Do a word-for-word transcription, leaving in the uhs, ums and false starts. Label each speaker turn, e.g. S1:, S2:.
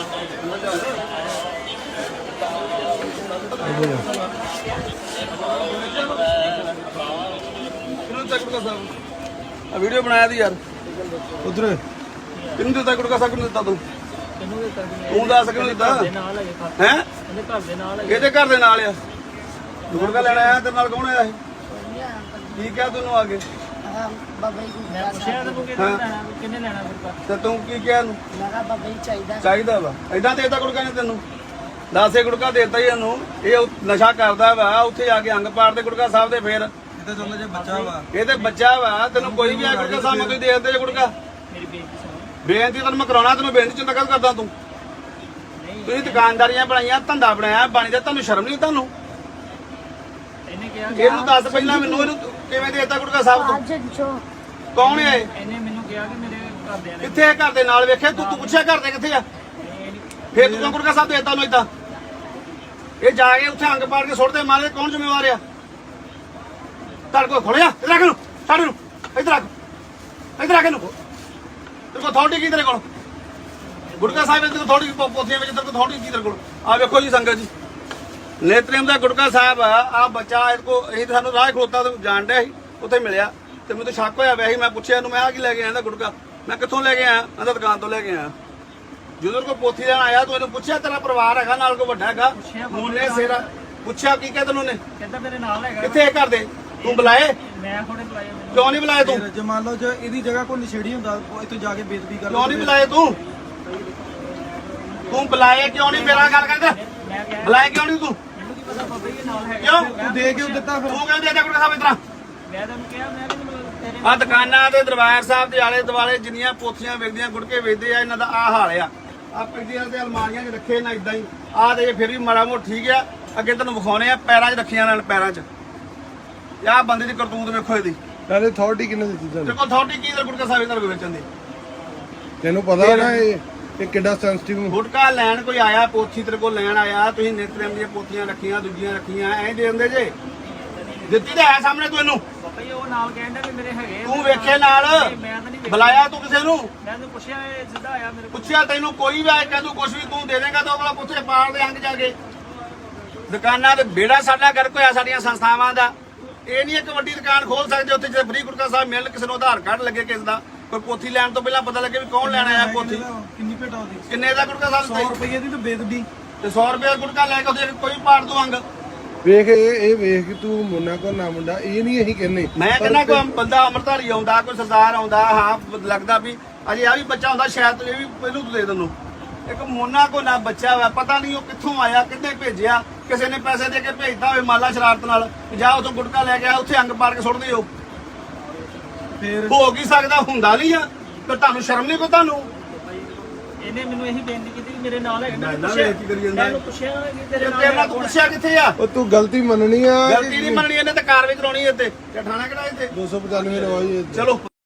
S1: Video बनाया थी यार उधर किन्नू दिता गुटका साहब किन्नू दिता तू तू दस किन्नू दिता है ਇਹਦੇ ਘਰ ਦੇ ਨਾਲ ਆ ਗੁਟਕਾ ਲੈਣ ਆਇਆ ਤੇਰੇ ਨਾਲ ਕੌਣ ਆਇਆ ਇਹ ਕੀ ਕਿਹਾ ਤੈਨੂੰ ਆ ਕੇ
S2: ਬਾਬਾ ਜੀ ਮੈਂ ਪੁੱਛਿਆ ਤੇ ਕਿੰਨੇ ਲੈਣਾ ਗੁਟਕਾ
S1: ਤੇ ਤੂੰ ਕੀ ਕਿਹਾ ਇਹਨੂੰ
S2: ਮੈਂ ਕਿਹਾ ਬਾਬਾ ਜੀ ਚਾਹੀਦਾ
S1: ਚਾਹੀਦਾ ਵਾ ਏਦਾਂ ਦੇਤਾ ਗੁਟਕਾ ਨੇ ਤੈਨੂੰ ਦਸੇ ਗੁਟਕਾ ਦੇਤਾ ਹੀ ਇਹਨੂੰ ਇਹ ਨਸ਼ਾ ਕਰਦਾ ਵਾ ਉੱਥੇ ਜਾ ਕੇ ਅੰਗ ਪਾੜ ਦੇ ਗੁਟਕਾ ਸਾਹਿਬ ਦੇ ਫੇਰ
S3: ਤੇ ਦੋਨੇ ਜੇ ਬੱਚਾ ਵਾ
S1: ਇਹ ਤੇ ਬੱਚਾ ਵਾ ਤੈਨੂੰ ਕੋਈ ਵੀ ਆ ਗੁਟਕਾ ਸਾਹਿਬ ਨੂੰ ਦੇ ਦਿੰਦੇ ਜੇ ਗੁਟਕਾ
S2: ਮੇਰੀ ਬੇਇੱਜ਼ਤੀ ਸੁਣ
S1: ਬੇਨਤੀ ਤੈਨੂੰ ਮੈਂ ਕਰਾਉਣਾ ਤੈਨੂੰ ਬੇਨਤੀ ਚੰਗਾ ਕਰਦਾ ਤੂੰ ਤੁਸੀਂ ਦੁਕਾਨਦਾਰੀਆਂ ਬਣਾਈਆਂ ਧੰਦਾ ਬਣਾਇਆ ਬਾਣੀ ਦਾ ਤੁਹਾਨੂੰ ਸ਼ਰਮ ਨਹੀਂ ਤੁਹਾਨੂੰ
S2: ਇਹਨੇ ਕਿਹਾ
S1: ਇਹਨੂੰ ਦੱਸ ਪਹਿਲਾਂ ਮੈਨੂੰ ਇਹਨੂੰ ਕਿਵੇਂ ਦੇਤਾ ਗੁਟਕਾ ਸਾਹਿਬ ਤੋਂ
S2: ਅੱਜ
S1: ਕੌਣ ਹੈ ਇਹ
S2: ਇਹਨੇ ਮੈਨੂੰ ਕਿਹਾ ਕਿ ਮੇਰੇ ਘਰਦਿਆਂ ਨੇ
S1: ਕਿੱਥੇ ਹੈ ਘਰ ਦੇ ਨਾਲ ਵੇਖਿਆ ਤੂੰ ਤੂੰ ਪੁੱਛਿਆ ਘਰ ਦੇ ਕਿੱਥੇ ਆ ਫੇਰ ਤੂੰ ਗੁਟਕਾ ਸਾਹਿਬ ਦੇਤਾ ਉਹਨੂੰ ਏਦਾਂ ਇਹ ਜਾ ਕੇ ਉੱਥੇ ਅੰਗ ਪਾੜ ਕੇ ਸੁੱਟਦੇ ਮਾਰੇ ਕੌਣ ਜ਼ਿੰਮੇਵਾਰ ਆ ਤੜ ਕੋ ਖੋਲਿਆ ਇੱਧਰ ਰੱਖ ਨੂੰ ਛੱਡ ਨੂੰ ਇੱਧਰ ਰੱਖ ਇੱਧਰ ਰੱਖ ਨੂੰ ਤੇਰੇ ਕੋਲ ਅਥਾਰਟੀ ਕੀ ਤੇਰੇ ਕੋਲ ਗੁਟਕਾ ਸਾਹਿਬ ਦੇ ਕੋਲ ਥੋੜੀ ਪੋਥੀਆਂ ਵਿੱਚ ਤੇਰੇ ਕੋਲ ਥੋੜੀ ਕੀ ਤੇਰੇ ਕੋਲ ਆ ਵੇਖੋ ਜੀ ਸੰਗਤ ਜੀ ਨੇਤਰੇਮ ਦਾ ਗੁਟਕਾ ਸਾਹਿਬ ਆ ਆ ਬੱਚਾ ਇਹ ਕੋ ਇਹ ਸਾਨੂੰ ਰਾਹ ਖਲੋਤਾ ਤੇ ਜਾਣ ਡਿਆ ਸੀ ਉੱਥੇ ਮਿਲਿਆ ਤੇ ਮੈਨੂੰ ਤਾਂ ਸ਼ੱਕ ਹੋਇਆ ਵੈਸੇ ਮੈਂ ਪੁੱਛਿਆ ਇਹਨੂੰ ਮੈਂ ਆ ਕੀ ਲੈ ਕੇ ਆਇਆ ਇਹਦਾ ਗੁਟਕਾ ਮੈਂ ਕਿੱਥੋਂ ਲੈ ਕੇ ਆਇਆ ਕਹਿੰਦਾ ਦੁਕਾਨ ਤੋਂ ਲੈ ਕੇ ਆਇਆ ਜਦੋਂ ਕੋ ਪੋਥੀ ਲੈਣ ਆਇਆ ਤੂੰ ਇਹਨੂੰ ਪੁੱਛਿਆ ਤੇਰਾ ਪਰਿਵਾਰ ਹੈਗਾ ਨਾਲ ਕੋ ਵੱਡਾ ਹੈਗਾ ਮੂਨੇ ਸੇਰਾ ਪੁੱਛਿਆ ਕੀ ਕਹਿੰਦਾ ਤੈਨੂੰ ਨੇ
S2: ਕਹਿੰਦਾ ਮੇਰੇ ਨਾਲ ਹੈਗਾ
S1: ਕਿੱਥੇ ਘਰ ਦੇ ਤੂੰ ਬੁਲਾਏ
S2: ਮੈਂ ਥੋੜੇ ਬੁਲਾਇਆ
S1: ਕਿਉਂ ਨਹੀਂ ਬੁਲਾਏ ਤੂੰ
S3: ਜੇ ਮੰਨ ਲਓ ਜੇ ਇਹਦੀ ਜਗ੍ਹਾ ਕੋਈ ਨਸ਼ੇੜੀ ਹੁੰਦਾ ਇੱਥੇ ਜਾ ਕੇ ਬੇਦਬੀ ਕਰ
S1: ਕਿਉਂ ਨਹੀਂ ਬੁਲਾਏ ਤੂੰ ਤੂੰ ਬੁਲਾਏ ਕਿਉਂ ਨਹੀਂ ਮੇਰਾ ਗੱਲ ਕਰਦਾ
S2: ਮੈਂ ਕਿਹਾ
S1: ਬੁਲਾਏ ਕਿਉਂ ਨਹੀਂ ਤੂੰ
S2: ਮੈਨੂੰ ਕੀ ਪਤਾ ਬਾਬਾ ਜੀ ਨਾਲ ਹੈਗਾ
S1: ਕਿਉਂ
S3: ਤੂੰ ਦੇ ਕਿਉਂ ਦਿੱਤਾ ਫਿਰ
S1: ਤੂੰ ਕਿਉਂ ਦੇ ਦੇ ਗੁਟਕਾ ਸਾਹਿਬ ਇਤਰਾ
S2: ਮੈਂ ਤੈਨੂੰ ਕਿਹਾ ਮੈਂ ਵੀ ਨਹੀਂ ਤੇਰੇ
S1: ਆ ਦੁਕਾਨਾਂ ਦੇ ਦਰਬਾਰ ਸਾਹਿਬ ਦੇ ਆਲੇ ਦੁਆਲੇ ਜਿੰਨੀਆਂ ਪੋਥੀਆਂ ਵੇਚਦੀਆਂ ਗੁਟਕੇ ਵੇਚਦੇ ਆ ਇਹਨਾਂ ਦਾ ਆ ਹਾਲ ਆ ਆ ਪਿੰਡੀਆਂ ਤੇ ਅਲਮਾਰੀਆਂ 'ਚ ਰੱਖੇ ਨਾ ਇਦਾਂ ਹੀ ਆ ਤੇ ਫਿਰ ਵੀ ਮਾੜਾ ਮੋਟ ਠੀਕ ਆ ਅੱਗੇ ਤੈਨੂੰ ਵਿਖਾਉਣੇ ਆ ਪੈਰਾਂ 'ਚ ਰੱਖੀਆਂ ਨਾਲ ਪੈਰਾਂ 'ਚ ਆਹ ਬੰਦੇ ਦੀ ਕਰਤੂਤ ਵੇਖੋ ਇਹਦੀ
S4: ਨਾਲੇ ਅਥਾਰਟੀ ਕਿੰਨੇ ਦਿੱਤੀ
S1: ਤੇਰੇ
S4: ਤੁਹਾਨੂੰ
S1: ਕੋਲ ਅਥਾਰਟੀ ਕੀ ਦਰ ਗੁਟਕਾ ਸਾਹਿਬ ਇਹਨਾਂ ਨੂੰ ਵੇਚਣ ਦੀ
S4: ਤੈਨੂੰ ਪਤਾ ਨਾ ਇਹ ਇਹ ਕਿੱਡਾ ਸੈਂਸਿਟਿਵ
S1: ਗੁਟਕਾ ਲੈਣ ਕੋਈ ਆਇਆ ਪੋਥੀ ਤੇਰੇ ਕੋਲ ਲੈਣ ਆਇਆ ਤੁਸੀਂ ਨਿਤਰੇਮ ਦੀਆਂ ਪੋਥੀਆਂ ਰੱਖੀਆਂ ਦੂਜੀਆਂ ਰੱਖੀਆਂ ਐਂ ਦੇ ਦਿੰਦੇ ਜੇ ਦਿੱਤੀ ਤਾਂ ਹੈ ਸਾਹਮਣੇ ਤੂੰ ਇਹਨੂੰ
S2: ਬਾਬਾ ਜੀ ਉਹ ਨਾਲ ਕਹਿੰਦਾ ਵੀ ਮੇਰੇ ਹੈਗੇ
S1: ਤੂੰ ਵੇਖੇ ਨਾਲ
S2: ਮੈਂ ਤਾਂ ਨਹੀਂ
S1: ਬੁਲਾਇਆ ਤੂੰ ਕਿਸੇ ਨੂੰ
S2: ਮੈਂ ਤੈਨੂੰ ਪੁੱਛਿਆ ਇਹ ਸਿੱਧਾ ਆਇਆ ਮੇਰੇ ਕੋਲ
S1: ਪੁੱਛਿਆ ਤੈਨੂੰ ਕੋਈ ਵੀ ਆਏ ਕਹਿੰਦਾ ਕੁਛ ਵੀ ਤੂੰ ਦੇ ਦੇਂਗਾ ਤਾਂ ਉਹ ਵਾਲਾ ਪੁੱਛੇ ਪਾੜ ਦੇ ਅੰਗ ਜਾ ਕੇ ਦੁਕਾਨਾਂ ਤੇ ਬੇੜਾ ਸਾਡਾ ਕਰ ਕੋਈ ਆ ਸਾਡੀਆਂ ਸੰਸਥਾਵਾਂ ਦਾ ਇਹ ਨਹੀਂ ਇੱਕ ਵੱਡੀ ਦੁਕਾਨ ਖੋਲ ਸਕਦੇ ਉੱਥੇ ਜੇ ਫ੍ਰੀ ਗੁਟਕਾ ਸਾਹਿਬ ਮਿਲਣ ਕਿਸੇ ਨੂੰ ਆਧਾਰ ਕਾਰਡ ਲੱਗੇ ਕਿਸੇ ਦਾ ਕੋਈ ਪੋਥੀ ਲੈਣ ਤੋਂ ਪਹਿਲਾਂ ਪਤਾ ਲੱਗੇ ਵੀ ਕੌਣ ਲੈਣ ਆਇਆ ਪੋਥੀ
S3: ਕਿੰਨੀ ਭੇਟਾ ਉਹਦੀ
S1: ਕਿੰਨੇ ਦਾ ਗੁਟਕਾ ਸਾਹਿਬ
S3: ਸੌ ਰੁਪਏ ਦੀ ਤਾਂ ਬੇਦਬੀ
S1: ਤੇ ਸੌ ਰੁਪਏ ਦਾ ਗੁਟਕਾ ਲੈ ਕੇ ਉਹਦੇ ਕੋਈ ਪਾੜ ਦੂ ਅੰਗ
S4: ਵੇਖ ਇਹ ਇਹ ਵੇਖ ਕਿ ਤੂੰ ਮੁੰਨਾ ਕੋ ਨਾ ਮੁੰਡਾ ਇਹ ਨਹੀਂ ਅਸੀਂ ਕਹਿੰਦੇ
S1: ਮੈਂ ਕਹਿੰਦਾ ਕੋਈ ਬੰਦਾ ਅੰਮ੍ਰਿਤਧਾਰੀ ਆਉਂਦਾ ਕੋਈ ਸਰਦਾਰ ਆਉਂਦਾ ਹਾਂ ਲੱਗਦਾ ਵੀ ਅਜੇ ਆ ਵੀ ਬੱਚਾ ਹੁੰਦਾ ਸ਼ਾਇਦ ਇਹ ਵੀ ਪਹਿਲੂ ਤੋਂ ਦੇ ਦਿੰਨੂ ਇੱਕ ਮੋਨਾ ਕੋ ਨਾ ਬੱਚਾ ਵਾ ਪਤਾ ਨਹੀਂ ਉਹ ਕਿੱਥੋਂ ਆਇਆ ਕਿੱਥੇ ਭੇਜਿਆ ਕਿਸੇ ਨੇ ਪੈਸੇ ਦੇ ਕੇ ਭੇਜਦਾ ਹੋਵੇ ਮਾਲਾ ਸ਼ਰਾਰਤ ਨਾਲ ਜਾ ਉਥੋਂ ਗੁਟਕਾ ਲੈ ਕੇ ਆ ਉੱਥੇ ਅੰਗ ਪਾੜ ਕੇ ਸੁੱਟ ਦਿਓ
S3: ਫੇਰ
S1: ਹੋ ਕੀ ਸਕਦਾ ਹੁੰਦਾ ਨਹੀਂ ਆ ਤੇ ਤੁਹਾਨੂੰ ਸ਼ਰਮ ਨਹੀਂ ਕੋ ਤੁਹਾਨੂੰ
S2: ਇਹਨੇ ਮੈਨੂੰ ਇਹੀ ਬੇਨਤੀ ਕੀਤੀ ਕਿ ਮੇਰੇ ਨਾਲ ਹੈਗਾ
S1: ਨਾ,
S2: ਮੈਂ
S1: ਨਾ,
S2: ਪੁੱਛਿਆ
S1: ਵੇਖ ਕੀ ਕਰੀ ਜਾਂਦਾ।
S2: ਮੈਂ ਪੁੱਛਿਆ ਕਿ ਤੇਰੇ ਨਾਲ
S1: ਤੇਰੇ ਨਾਲ
S2: ਹੈਗਾ
S1: ਤੂੰ
S2: ਕੌਣ?
S1: ਪੁੱਛਿਆ ਕਿੱਥੇ ਆ
S4: ਉਹ ਤੂੰ ਗਲਤੀ ਮੰਨਣੀ ਆ
S1: ਗਲਤੀ ਨਹੀਂ ਮੰਨਣੀ ਇਹਨੇ ਤੇ ਕਾਰਵਾਈ ਕਰਾਉਣੀ ਇੱਥੇ ਠਾਣਾ ਕਿਹੜਾ ਇੱਥੇ
S4: ਦੋ ਸੌ ਪਚਾਨਵੇਂ ਰਵਾਈ
S1: ਚਲੋ